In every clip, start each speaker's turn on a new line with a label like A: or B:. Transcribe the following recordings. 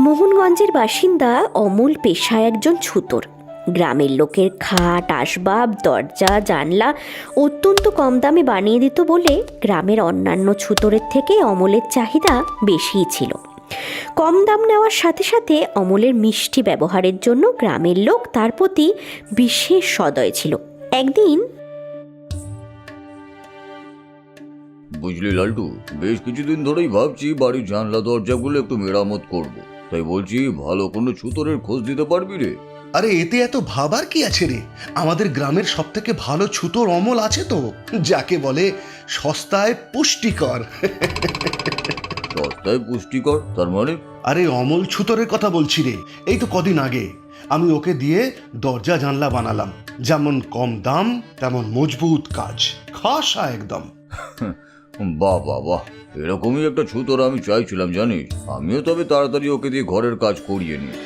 A: মোহনগঞ্জের বাসিন্দা অমল পেশায় একজন ছুতোর। গ্রামের লোকের খাট, আসবাব, দরজা, জানলা অত্যন্ত কম দামে বানিয়ে দিত বলে গ্রামের অন্যান্য ছুতোরের থেকে অমলের চাহিদা বেশিই ছিল। কম দাম নেওয়ার সাথে সাথে অমলের মিষ্টি ব্যবহারের জন্য গ্রামের লোক তার প্রতি বিশেষ সদয় ছিল। একদিন,
B: বুঝলি লালটু, বেশ কিছুদিন ধরেই ভাবছি বাড়ির জানলা দরজাগুলো একটু মেরামত করব। তাই বলছি, ভালো কোনো ছুতোরের খোঁজ দিতে পারবি রে?
C: আরে এতে এত ভাবার কি আছে রে? আমাদের গ্রামের সব থেকে ভালো ছুতোর অমল আছে তো, যাকে বলে সস্তায় পুষ্টিকর।
B: সস্তায় পুষ্টিকর তার মানে?
C: আরে অমল ছুতোরের কথা বলছি রে। এই তো কদিন আগে আমি ওকে দিয়ে দরজা জানলা বানালাম। যেমন কম দাম তেমন মজবুত কাজ, খাসা একদম।
B: বাহ বাহ বাহ, এরকমই একটা ছুতোর আমি চাইছিলাম জানিস। আমিও তবে তাড়াতাড়ি ওকে দিয়ে ঘরের কাজ করিয়ে নিই।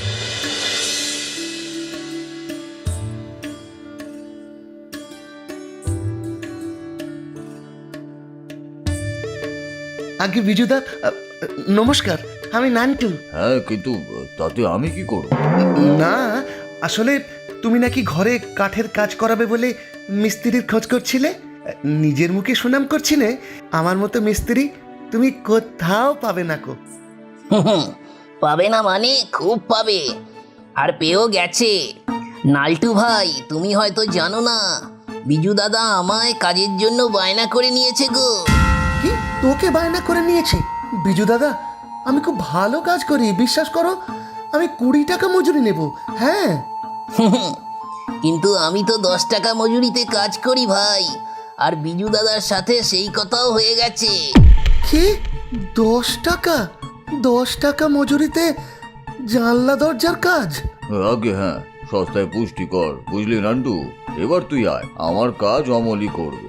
C: আগে বিজুদা, নমস্কার, আমি নান্টু।
B: হ্যাঁ, কিন্তু তাতে আমি কি করব?
C: না, আসলে তুমি নাকি ঘরে কাঠের কাজ করাবে বলে মিস্ত্রির খোঁজ করছিলে। নিজের মুখে সুনাম করছিলে, আমার মতো মিস্ত্রি তুমি কোথাও পাবে না কো।
D: পাবে না মানে খুব পাবে, আর পেয়েও গেছে। নালটু ভাই, তুমি হয়তো জানো না, বিজু দাদা আমায় কাজের জন্য বায়না করে নিয়েছে গো।
C: কি, তোকে বায়না করে নিয়েছে? বিজু দাদা, আমি খুব ভালো কাজ করি, বিশ্বাস করো। আমি 20 টাকা মজুরি নেব। হ্যাঁ,
D: কিন্তু আমি তো 10 টাকা মজুরিতে কাজ করি ভাই, আর বিজু দাদার সাথে সেই কথাও হয়ে গেছে।
C: কি 10 টাকা? 10 টাকা মজুরিতে জানলা দরজার কাজ?
B: আগে হ্যাঁ, সস্তায় পুষ্টিকর, বুঝলি নান্টু। এবার তুই আয়, আমার কাজ অমলই করবে।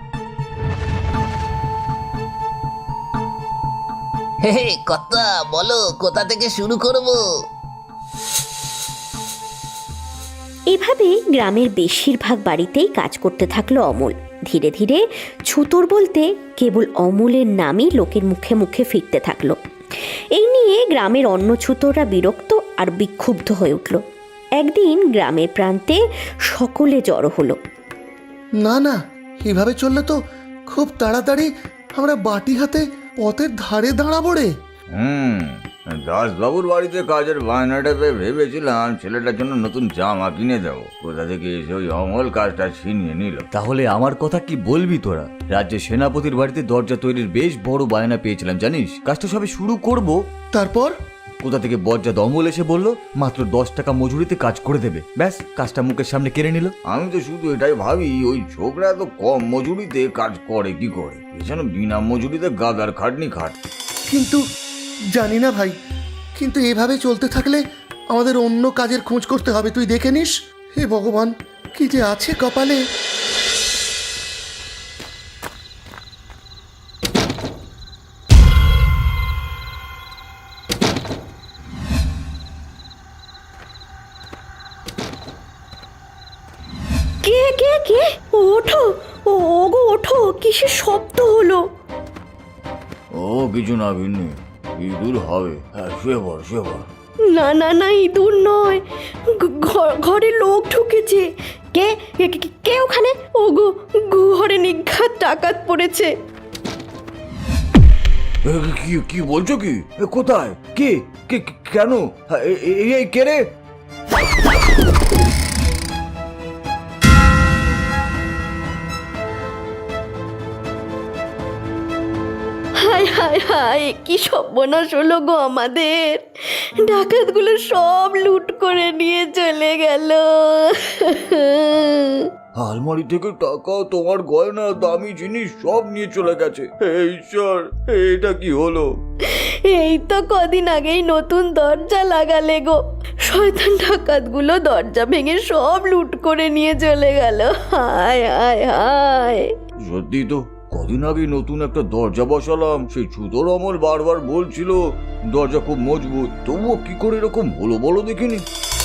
D: হে হে, কথা বলো, কোথা থেকে শুরু করব?
A: এভাবে গ্রামের বেশিরভাগ বাড়িতেই কাজ করতে থাকলো অমল। ধীরে ধীরে ছুতোর বলতে কেবল অমলের নামই লোকের মুখে মুখে ফিরতে থাকলো। এই নিয়ে গ্রামের অন্য ছুতোররা বিরক্ত আর বিক্ষুব্ধ হয়ে উঠল। একদিন গ্রামের প্রান্তে সকলে জড়ো হলো।
C: না না, এভাবে চললে তো খুব তাড়াতাড়ি আমরা বাটি হাতে পথের ধারে দাঁড়াবো রে।
B: দাসবাবুর বাড়িতে কাজের বায়নাটা পেয়ে ভেবেছিলাম ছেলেটার জন্য নতুন জামা কিনে দেবো। কোথা থেকে এসে ওই অমল কাজটা ছিনিয়ে নিল।
E: তাহলে আমার কথা কি বলবি তোরা? রাজ্যের সেনাপতির বাড়িতে দরজা তৈরির বেশ বড় বায়না পেয়েছিলাম জানিস। কাজটা সবে শুরু করব,
C: তারপর
E: কোথা থেকে বজ্জা দমল এসে বলল মাত্র 10 টাকা মজুরিতে কাজ করে দেবে। ব্যাস, কাজটা মুখের সামনে কেড়ে নিল।
B: আমি তো শুধু এটাই ভাবি, ওই ছোকরা এত কম মজুরিতে কাজ করে কি করে? এছাড়া বিনা মজুরিতে গাদার খাটনি খাট।
C: কিন্তু জানি না ভাই, কিন্তু এভাবে চলতে থাকলে আমাদের অন্য কাজের খোঁজ করতে হবে, তুই দেখে নিস। হে ভগবান, কি যে আছে কপালে।
A: কে কে কে? ওঠো, ওগো ওঠো, কিসের শব্দ হলো?
B: ও কিছু না ভিন্নি, ইঁদুর হবে। হ্যাঁ, শুয়ে পড় শুয়ে পড়।
A: না না না, ইঁদুর নয়, ঘরে লোক ঢুকেছে। কে কে কে- কে ওখানে? ওগো, ঘরে নিঘাত ডাকাত পড়েছে।
B: কি কি বলছো কি? কোথায়? কে কে কেন? এই কে রে?
A: হায় হায় হায়, কি সর্বনাশ হলো গো আমাদের! ডাকাতগুলো সব লুট করে নিয়ে চলে গেল।
B: আলমারি থেকে টাকা, তোমার গয়না, দামি জিনিস সব নিয়ে চলে গেছে। হে ঈশ্বর, এটা কি হলো?
A: এই তো কদিন আগেই নতুন দরজা লাগালে গো, শয়তান ডাকাতগুলো দরজা ভেঙে সব লুট করে নিয়ে চলে গেল। হায় হায় হায়!
B: সত্যি তো, কদিন আগে নতুন একটা দরজা বসালাম। সেই ছুতোর অমল বারবার বলছিল দরজা খুব মজবুত, তবুও কি করে এরকম হলো বলো দেখিনি।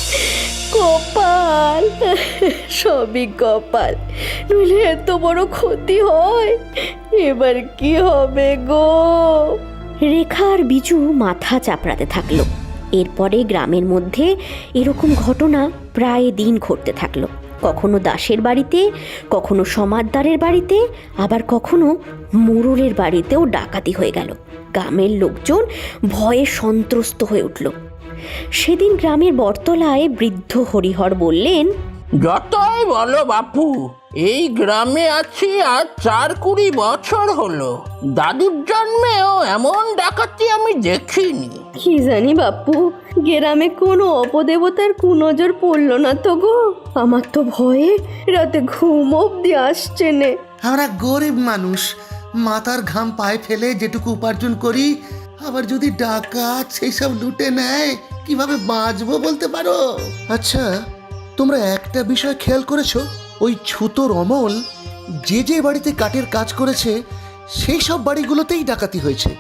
A: কপাল, সবই কপাল, নইলে এত বড় ক্ষতি হয়। এবার কি হবে গো? রেখা আর বিজু মাথা চাপড়াতে থাকলো। এরপরে গ্রামের মধ্যে এরকম ঘটনা প্রায় দিন ঘটতে থাকলো। কখনো দাসের বাড়িতে, কখনো সমাদদারের বাড়িতে, আবার কখনো মোড়লের বাড়িতেও ডাকাতি হয়ে গেল। গ্রামের লোকজন ভয়ে সন্ত্রস্ত হয়ে উঠল। সেদিন গ্রামের বটতলায় বৃদ্ধ হরিহর বললেন,
F: যতই বলো বাপু, এই গ্রামে আছি আর ৪-২০ বছর হলো। দাদুর জন্মেও এমন ডাকাতি আমি দেখিনি।
A: কি জানি বাপু, গ্রামে কোনো অপদেবতার কুনজর পড়ল না তো গো। আমার তো ভয়ে রাতে ঘুম অব্দি আসছে নে।
C: আমরা গরিব মানুষ, মাথার ঘাম পায়ে ফেলে যেটুকু উপার্জন করি, আবার যদি ডাকাত সেই সব লুটে নেয়, কিভাবে বাঁচবো বলতে পারো? আচ্ছা, তোমরা একটা বিষয় খেয়াল করেছো? ওই ছুতোর অমল যে যে বাড়িতে কাঠের কাজ করেছে, সেই সব বাড়িগুলোতেই ডাকাতি হয়েছে।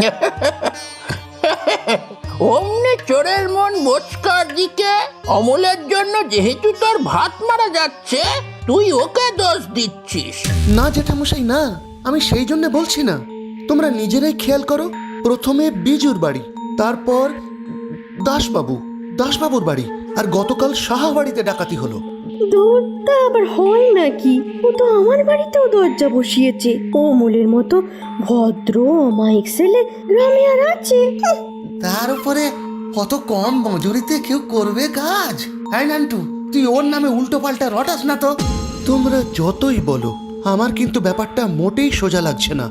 F: অমনি চোরের মন বোচকার দিকে। অমলের জন্য যেহেতু তোর ভাত মারা যাচ্ছে, তুই ওকে দোষ দিচ্ছিস।
C: না জেঠামশাই, না, আমি সেই জন্য বলছি না। তোমরা নিজেরাই খেয়াল করো। প্রথমে বিজুর বাড়ি, তারপর দাসবাবুর বাড়ি, আর গতকাল সাহা বাড়িতে ডাকাতি হলো।
A: দূরটা আবার হয় নাকি? ও তো আমার বাড়িতেও দরজা বসিয়েছে। ও অমলের মতো ভদ্র অমায়িক ছেলে গ্রামে আর আছে?
C: তার উপরে কত কম মজুরিতে কেউ করবে কাজ? হ্যাঁ নান্টু, তুই ওর নামে উল্টো পাল্টা রটাস না তো। তোমরা যতই বলো, আমার কিন্তু ব্যাপারটা মোটেই সোজা লাগছে না।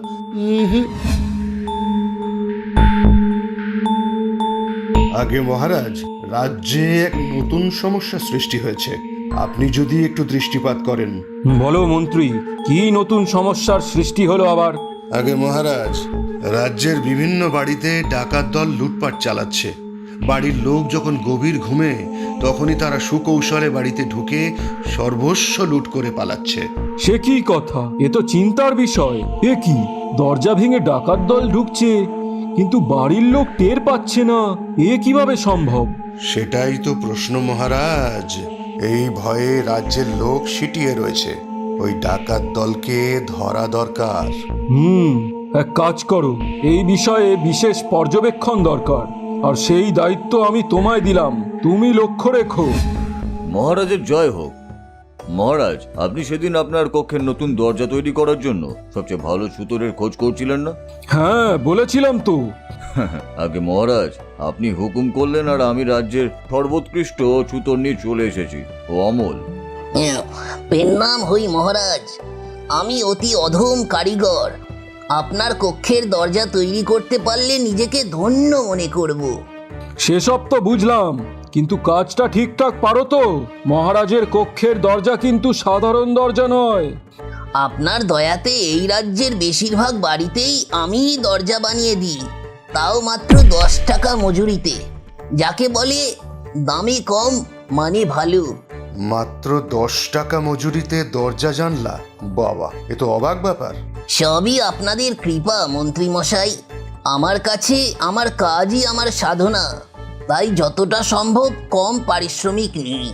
G: আগে মহারাজ, রাজ্যে এক নতুন সমস্যা সৃষ্টি হয়েছে। আপনি যদি একটু দৃষ্টিপাত করেন।
H: বলো মন্ত্রী, কি নতুন সমস্যার সৃষ্টি হলো আবার?
G: আগে মহারাজ, রাজ্যের বিভিন্ন বাড়িতে ডাকাত দল লুটপাট চালাচ্ছে। বাড়ির লোক যখন গভীর ঘুমে, তখনই তারা সুকৌশলে বাড়িতে ঢুকে সর্বস্ব লুট করে পালাচ্ছে।
H: সে কি কথা? এ তো চিন্তার বিষয়। এ কি, দরজা ভেঙে ডাকাত দল ঢুকছে, কিন্তু বাড়ির লোক টের পাচ্ছে না? এ কিভাবে সম্ভব?
G: সেটাই তো প্রশ্ন মহারাজ। এই ভয়ে রাজ্যের লোক সিটিয়ে রয়েছে। ওই ডাকাত দলকে ধরা দরকার।
H: এক কাজ করো, এই বিষয়ে বিশেষ পর্যবেক্ষণ দরকার, আর সেই দায়িত্ব আমি তোমায় দিলাম। তুমি লক্ষ্য রেখো।
B: মহারাজের জয় হোক। মহারাজ, আপনি সেদিন আপনার কক্ষের নতুন দরজা তৈরি করার জন্য সবচেয়ে ভালো ছুতোরের খোঁজ করছিলেন না?
H: হ্যাঁ, বলেছিলাম তো।
B: আগে মহারাজ, আপনি হুকুম করলেন আর আমি রাজ্যের সর্বোৎকৃষ্ট ছুতোর নিয়ে চলে এসেছি, ও অমল।
D: পেন্নাম হই মহারাজ, আমি অতি অধম কারিগর। আপনার কক্ষের দরজা তৈরি করতে পারলে নিজেকে ধন্য মনে করব।
H: সেসব তো বুঝলাম, কিন্তু কাজটা ঠিকঠাক পারো তো? মহারাজের কক্ষের দরজা কিন্তু সাধারণ দরজা নয়।
D: আপনার দয়াতে এই রাজ্যের বেশিরভাগ বাড়িতেই আমিই দরজা বানিয়ে দিই, তাও মাত্র 10 টাকা মজুরিতে। যাকে বলে দামে কম মানে ভালো।
G: মাত্র 10 টাকা মজুরিতে দরজা জানলা? বাবা, এ তো অবাক ব্যাপার।
D: সবই আপনাদের কৃপা মন্ত্রী মশাই। আমার কাছে আমার কাজই আমার সাধনা, তাই যতটা সম্ভব কম পারিশ্রমিক নিই।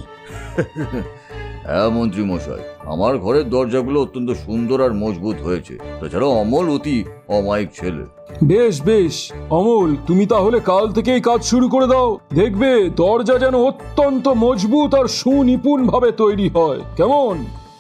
B: হ্যাঁ মন্ত্রী মশাই, আমার ঘরের দরজাগুলো অত্যন্ত সুন্দর আর মজবুত হয়েছে। তাছাড়া অমল অতি অমায়িক ছেলে।
H: বেশ বেশ, অমল, তুমি তাহলে কাল থেকেই কাজ শুরু করে দাও। দেখবে দরজা যেন অত্যন্ত মজবুত আর সুনিপুণ ভাবে তৈরি হয়। কেমন?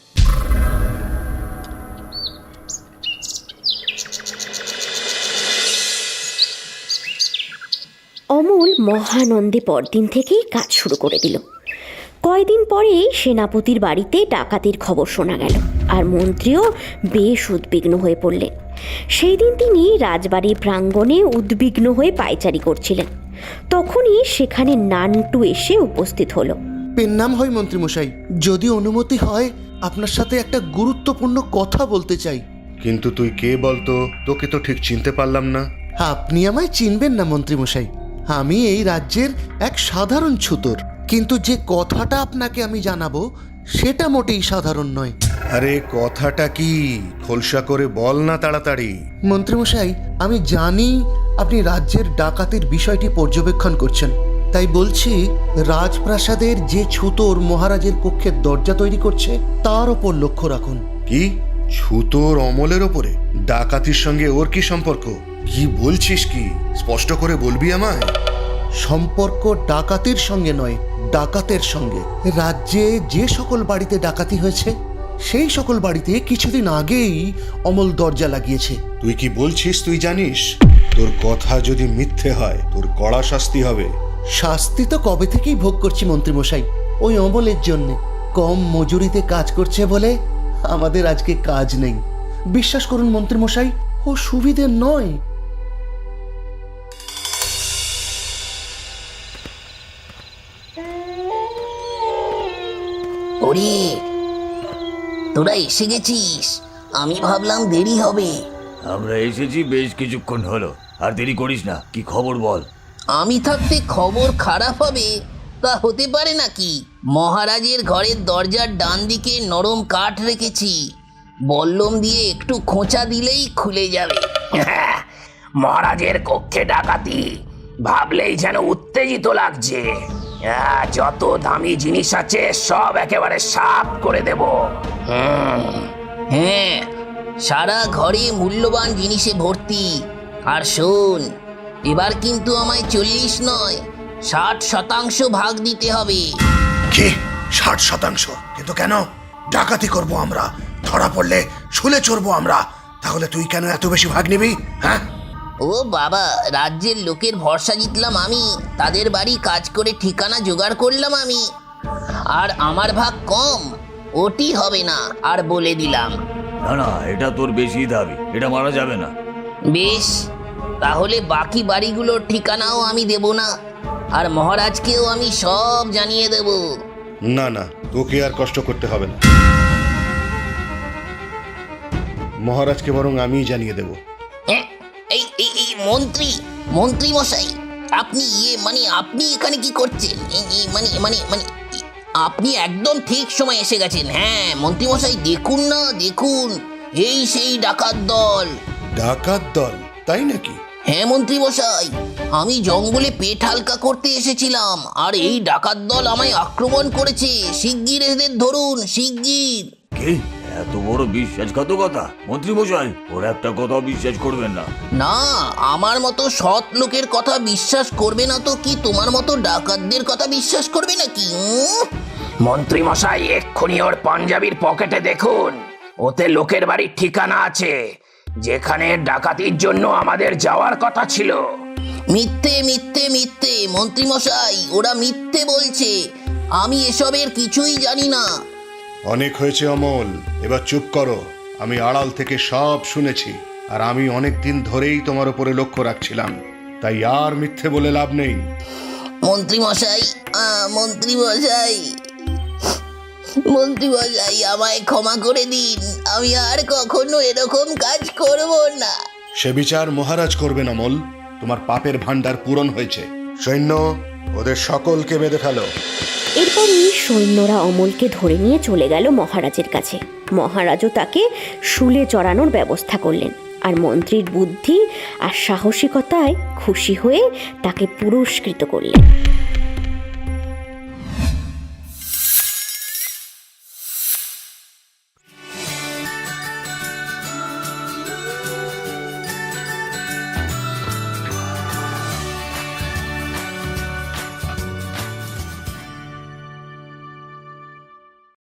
A: অমল মহানন্দে পরদিন থেকেই কাজ শুরু করে দিল। কয়দিন পরেই সেনাপতির বাড়িতে ডাকাতির খবর শোনা গেল, আর মন্ত্রীও বেশ উদ্বিগ্ন হয়ে পড়লেন। সেই দিন তিনি রাজবাড়ির প্রাঙ্গণে উদ্বিগ্ন হয়ে পায়চারি করছিলেন। তখনই সেখানে নান্টু এসে উপস্থিত হলো।
C: পেন্নাম হয় মন্ত্রীমশাই, যদি অনুমতি হয়, আপনার সাথে একটা গুরুত্বপূর্ণ কথা বলতে চাই।
G: কিন্তু তুই কে বলতো? তোকে তো ঠিক চিনতে পারলাম না।
C: আপনি আমায় চিনবেন না মন্ত্রীমশাই, আমি এই রাজ্যের এক সাধারণ ছুতোর। কিন্তু যে কথাটা আপনাকে আমি জানাবো, সেটা মোটেই সাধারণ নয়।
G: আরে কথাটা কি? খোলসা করে বল না তাড়াতাড়ি।
C: মন্ত্রীমশাই, আমি জানি আপনি রাজ্যের ডাকাতির বিষয়টি পর্যবেক্ষণ করছেন, তাই বলছি, রাজপ্রাসাদের যে ছুতোর মহারাজের কক্ষের দরজা তৈরি করছে, তার ওপর লক্ষ্য রাখুন।
G: কি? ছুতোর অমলের ওপরে? ডাকাতির সঙ্গে ওর কি সম্পর্ক? কি বলছিস কি? স্পষ্ট করে বলবি আমায়।
C: সম্পর্ক ডাকাতির সঙ্গে নয়, ডাকাতের সঙ্গে। রাজ্যে যে সকল বাড়িতে ডাকাতি হয়েছে সেই সকল বাড়িতে কিছুদিন আগেই অমল দরজা লাগিয়েছে।
G: তুই কি বলছিস তুই জানিস? তোর কথা যদি মিথ্যে হয় তোর কড়া শাস্তি হবে।
C: শাস্তি তো কবে থেকেই ভোগ করছি মন্ত্রীমশাই, ওই অমলের জন্যে। কম মজুরিতে কাজ করছে বলে আমাদের আজকে কাজ নেই। বিশ্বাস করুন মন্ত্রীমশাই, ও সুবিধের নয়।
D: ওরে, তোরা এসে গেছিস। আমি ভাবলাম দেরি হবে।
E: আমরা এসেছি বেশ কিছুক্ষণ হলো, আর দেরি করিস না। কি খবর বল?
D: আমি থাকতে খবর খারাপ হবে তা হতে পারে নাকি? মহারাজের ঘরের দরজার ডান দিকে নরম কাঠ রেখেছি, বল্লম দিয়ে একটু খোঁচা দিলেই খুলে যাবে।
F: মহারাজের কক্ষে ডাকাতি ভাবলেই যেন উত্তেজিত লাগছে। যত দামি জিনিস আছে সব একেবারে সাফ করে দেব।
D: হ্যাঁ, সারা ঘরে মূল্যবান জিনিসে ভর্তি। আর শোন, এবার কিন্তু আমায় 40 নয় 60% ভাগ দিতে হবে।
G: কি 60%? কিন্তু কেন? ডাকাতি করব আমরা, ধরা পড়লে শুলে চড়বো আমরা। তাহলে তুই কেন এত বেশি ভাগ নিবি? হ্যাঁ,
D: ও বাবা, রাজ্যের লোকের ভরসা জিতলাম আমি, তাদের বাড়ি কাজ করে ঠিকানা জোগাড় করলাম আমি, আর আমার ভাগ কম ওটি হবে না, আর বলে দিলাম।
E: না না, এটা তোর বেশি দাবি, এটা মারা যাবে না।
D: বেশ, তাহলে বাকি বাড়িগুলোর ঠিকানাও আমি দেব না, আর মহারাজকেও আমি সব জানিয়ে দেব।
G: না না, তোকে আর কষ্ট করতে হবে না। মহারাজকে বরং আমিই জানিয়ে দেব।
D: এই এই এই মন্ত্রী মশাই, আপনি আপনি এখানে কি করছেন? আপনি একদম ঠিক সময় এসে গেছেন। হ্যাঁ মন্ত্রী মশাই, দেখুন না, দেখুন, এই সেই ডাকাত দল।
G: ডাকাত দল? তাই নাকি?
D: হ্যাঁ মন্ত্রী মশাই, আমি জঙ্গলে পেট হালকা করতে এসেছিলাম, আর এই ডাকাত দল আমায় আক্রমণ করেছে। শিগগির এদের ধরুন, শিগগির।
E: কি এত বড় বিশ্বাসঘাতকতা? মন্ত্রী মশাই, ওর একটা কথাও বিশ্বাস করবেন না।
D: না, আমার মতো সৎ লোকের কথা বিশ্বাস করবে না তো কি তোমার মতো ডাকাতদের কথা বিশ্বাস করবে নাকি?
F: মন্ত্রী মশাই, এক্ষুনি ওর পাঞ্জাবির পকেটে দেখুন, ওতে লোকের বাড়ির ঠিকানা আছে যেখানে ডাকাতির জন্য আমাদের যাওয়ার কথা ছিল।
D: মিথ্যে মিথ্যে মিথ্যে মন্ত্রী মশাই, ওরা মিথ্যে বলছে। আমি এসবের কিছুই জানি না।
G: অনেক হয়েছে অমল, এবার চুপ করো। আমি আড়াল থেকে সব শুনেছি, আর আমি অনেক দিন ধরেই তোমার উপরে লক্ষ্য রাখছিলাম, তাই আর মিথ্যে বলে লাভ নেই।
D: মন্ত্রী মশাই, মন্ত্রী মশাই, মন্ত্রী মশাই, আমায় ক্ষমা করে দিন। আমি আর কখনো এরকম কাজ করব না।
G: সে বিচার মহারাজ করবেন অমল। তোমার পাপের ভান্ডার পূরণ হয়েছে। সৈন্য, ওদের সকলকে বেঁধে ফেলো।
A: এরপরই সৈন্যরা অমলকে ধরে নিয়ে চলে গেল মহারাজের কাছে। মহারাজও তাকে শুলে চড়ানোর ব্যবস্থা করলেন, আর মন্ত্রীর বুদ্ধি আর সাহসিকতায় খুশি হয়ে তাকে পুরস্কৃত করলেন।